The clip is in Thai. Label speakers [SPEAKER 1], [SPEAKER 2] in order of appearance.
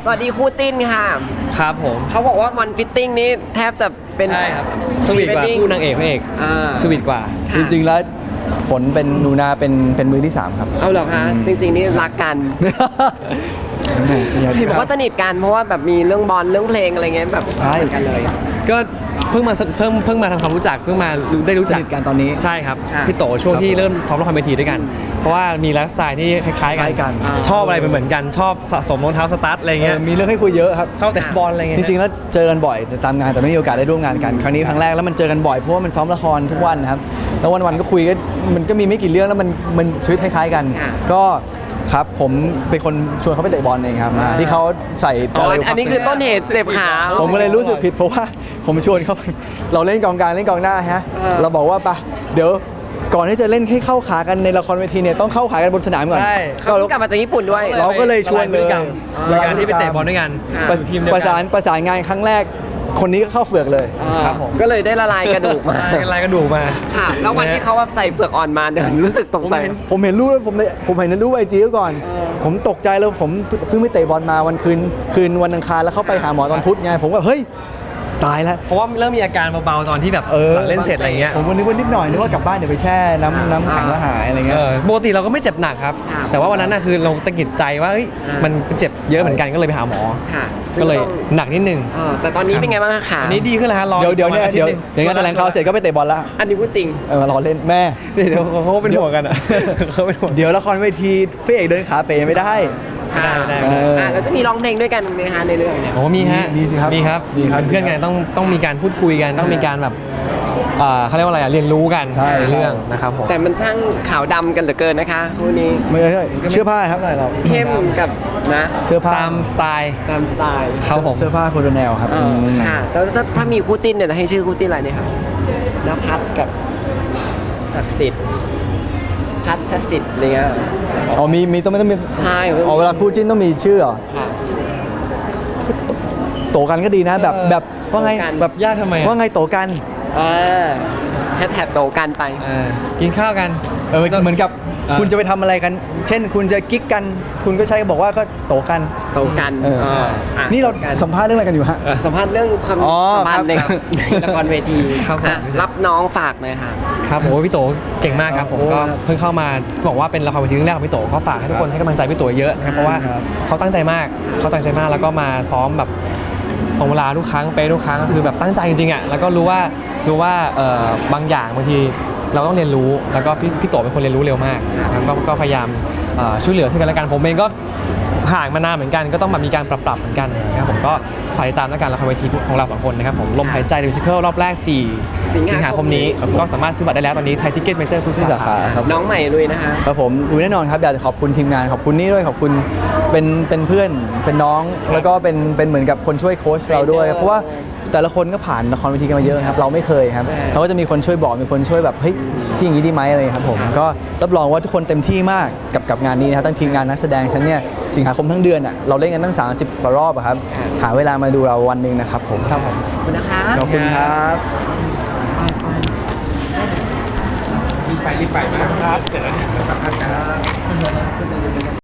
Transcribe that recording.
[SPEAKER 1] วัสดีคู่จิ้นค่ะ
[SPEAKER 2] ครับผม
[SPEAKER 1] เขาบอกว่าวันฟิตติ้งนี้แทบจะเป็น
[SPEAKER 2] ใช่ครับสวีทกว่าคู่นางเอกพระเอกสวีทกว่า
[SPEAKER 3] จริงๆแล้วฝนเป็นนูนาเป็นมือที่3ครับ
[SPEAKER 1] เอาเหรอคะจริงๆนี่รักกันเห็นบอกว่าสนิทกันเพราะว่าแบบมีเรื่องบอลเรื่องเพลงอะไรเงี้ยแบบใช่กันเลย
[SPEAKER 2] ก็เพิ่งมาทำความรู้จักเพิ่งมาได้รู้จัก
[SPEAKER 3] กันตอนนี้
[SPEAKER 2] ใช่ครับพี่โตช่วงที่เริ่มซ้อมละครเวทีด้วยกันเพราะว่ามีไลฟ์สไตล์ที่คล้ายๆกันชอบอะไรเหมือนกันชอบสะสมรองเท้าสตาร์ทอะไรเงี้ย
[SPEAKER 3] มีเรื่องให้คุยเยอะครับ
[SPEAKER 2] ชอบแต่บอลอะไรเงี้ย
[SPEAKER 3] จริงๆแล้วเจอกันบ่อยตามงานแต่ไม่มีโอกาสได้ร่วมงานกันครั้งนี้ครั้งแรกแล้วมันเจอกันบ่อยเพราะว่ามันซ้อมละครทุกวันนะครับแล้ววันๆก็คุยกันมันก็มีไม่กี่เรื่องแล้วมันชีวิตคล้ายๆกันก็ครับผมเป็นคนชวนเขาไปเตะบอลเองครับที่เขาใส่
[SPEAKER 1] อันนี้คือต้นเหตุเจ็บขา
[SPEAKER 3] ผมก็เลยรู้สึกผิดเพราะว่าผมชวนเขาเราเล่นกองกลางเล่นกองหน้าฮะเราบอกว่าปะเดี๋ยวก่อนที่จะเล่นให้เข้าขากันในละครเวทีเนี่ยต้องเข้าขากันบนสนามก่อน
[SPEAKER 1] เขากลับมาจากญี่ปุ่นด้วย
[SPEAKER 3] เราก็เลยชวนเลย
[SPEAKER 2] การที่ไปเตะบอลด้วยกัน
[SPEAKER 3] ประสานงานครั้งแรกคนนี้ก็เข้าเฟือกเลย
[SPEAKER 1] ครับผมก็เลยได้ละลายกระดูกมา
[SPEAKER 2] ละลายกระดูกมา
[SPEAKER 1] ค่ะแล้ววันที่เขาแบบใส่เฟือกอ่อนมาเดินรู้สึกตกใจ
[SPEAKER 3] ผมเห็นรูปผมเห็นรูปไอจีก่อนผมตกใจแล้วผมเพิ่งไปเตะบอลมาวันคืนวันอังคารแล้วเข้าไปหาหมอตอนพุธไงผมก็เฮ้ยตายแล้ว
[SPEAKER 2] เพราะว่าเริ่มมีอาการเบาๆตอนที่แบบเล่นเสร็จอะไรเงี้ย
[SPEAKER 3] ผมนึกว่านิดหน่อยนึกว่ากลับบ้านเดี๋ยวไปแช่น้ำแข็งแล้วหายอะไรเงี้ย
[SPEAKER 2] ปกติเราก็ไม่เจ็บหนักครับแต่ว่าวันนั้นน่ะคือเราตะกิดใจว่ามันเจ็บเยอะเหมือนกันก็เลยไปหาหมอก็เลยหนักนิดนึง
[SPEAKER 1] แต่ตอนนี้เป็นไงบ้างคะ
[SPEAKER 2] อันนี้ดีขึ้นแล้วฮะ
[SPEAKER 3] เดี๋ยวงานแถลงข่าวเสร็จก็ไปเตะบอลแล้ว
[SPEAKER 1] อันนี้พูดจริง
[SPEAKER 3] รอเล่นแม่
[SPEAKER 2] เดี๋ยวเขาเป็นห่วงกันอ่ะเขาเป็นห่วง
[SPEAKER 3] เดี๋ยวละครเวทีพระเอกเดินขาเป๋ไม่ได้
[SPEAKER 1] แล้วจะมีร้องเพลงด้วยกันไหมคะในเรื่องเนี่ย
[SPEAKER 2] โอ้มีฮะมีครับเพื่อนกันต้องมีการพูดคุยกันต้องมีการแบบเขาเรียกว่าอะไรเรียนรู้กันในเรื่องนะครับผม
[SPEAKER 1] แต่มันช่างขาวดำกันเหลือเกินนะคะคู่นี้
[SPEAKER 3] ไม่ใช่เสื้อผ้าครับเรา
[SPEAKER 1] เข้มกับนะ
[SPEAKER 3] เสื้อผ้า
[SPEAKER 2] ตามสไตล์
[SPEAKER 3] ครับผมเสื้อผ้าโคโดแนลครับ
[SPEAKER 1] ค่ะแล้วถ้ามีคู่จิ้นเนี่ยให้ชื่อคู่จิ้นอะไรเนี่ยครับนภัสกับศักดิ์สิทธิ์พัชสิทธิ์อะไรเงี้ย
[SPEAKER 3] มีต้องมี
[SPEAKER 1] ใช่
[SPEAKER 3] เวลาคู่จิ้นต้องมีชื่อเหรอโตกันก็ดีนะแบบว่าไง
[SPEAKER 2] แบบยากทำไม
[SPEAKER 3] ว่าไงโตกัน
[SPEAKER 1] แท็บโตกันไป
[SPEAKER 2] กินข้าวกัน
[SPEAKER 3] เหมือนกับคุณจะไปทำอะไรกันเช่นคุณจะกิ๊กกันคุณก็ใช้บอกว่าก็โตกันนี่เราสัมภาษณ์เรื่องอะไรกันอยู่ฮะ
[SPEAKER 1] สัมภาษณ์เรื่องความสัมพันธ์ในละครเวทีรับน้องฝากหน่อยค่ะ
[SPEAKER 2] ครับโอ้พี่โตเก่งมากครับผมก็เพิ่งเข้ามาบอกว่าเป็นละครเวทีเรื่องแรกของพี่โตก็ฝากให้ทุกคนให้กำลังใจพี่โตเยอะนะครับเพราะว่าเขาตั้งใจมากแล้วก็มาซ้อมแบบตรงเวลาทุกครั้งไปทุกครั้งคือแบบตั้งใจจริงๆอ่ะแล้วก็รู้ว่าบางอย่างบางทีเราต้องเรียนรู้แล้วก็พี่โตเป็นคนเรียนรู้เร็วมากนะครับก็พยายามช่วยเหลือซึ่งกันและกันผมเองก็ห่างมานานเหมือนกันก็ต้องแบบมีการปรับเหมือนกันนะครับผมก็ฝากติดตามและกันละครเวทีของเรา2คนนะครับผมลมหายใจมิวสิคัลรอบแรก4 สิงหาคมนี้ก็สามารถซื้อบัตรได้แล้วตอนนี้ไทยทิกเก็ตเมเจอร์ทุกสาขา
[SPEAKER 1] น้องใหม่ลุยนะคะ
[SPEAKER 3] ครับผมลุยแน่นอนครับอยากจะขอบคุณทีมงานขอบคุณนี่ด้วยขอบคุณเป็นเพื่อนเป็นน้องแล้วก็เป็นเหมือนกับคนช่วยโค้ชเราด้วยเพราะว่าแต่ละคนก็ผ่านละครเวทีกันมาเยอะครับเราไม่เคยครับเขาก็จะมีคนช่วยบอกมีคนช่วยแบบเฮ้ยที่อย่างนี้ดีไหมอะไรครับผมก็รับรองว่าทุกคนเต็มที่มากกับงานนี้นะครับทั้งทีมงานนักแสดงฉันเนี่ยสิงหาคมทั้งเดือนอ่ะเราเล่นกันตั้ง30 กว่ารอบครับหาเวลามาดูเราวันหนึ่งนะครับผม
[SPEAKER 1] ขอบคุณนะคะ
[SPEAKER 3] ขอบคุณครับ
[SPEAKER 4] รีบไปนะครับเสร็จแล้วเนี่ยสัมภาษณ์กัน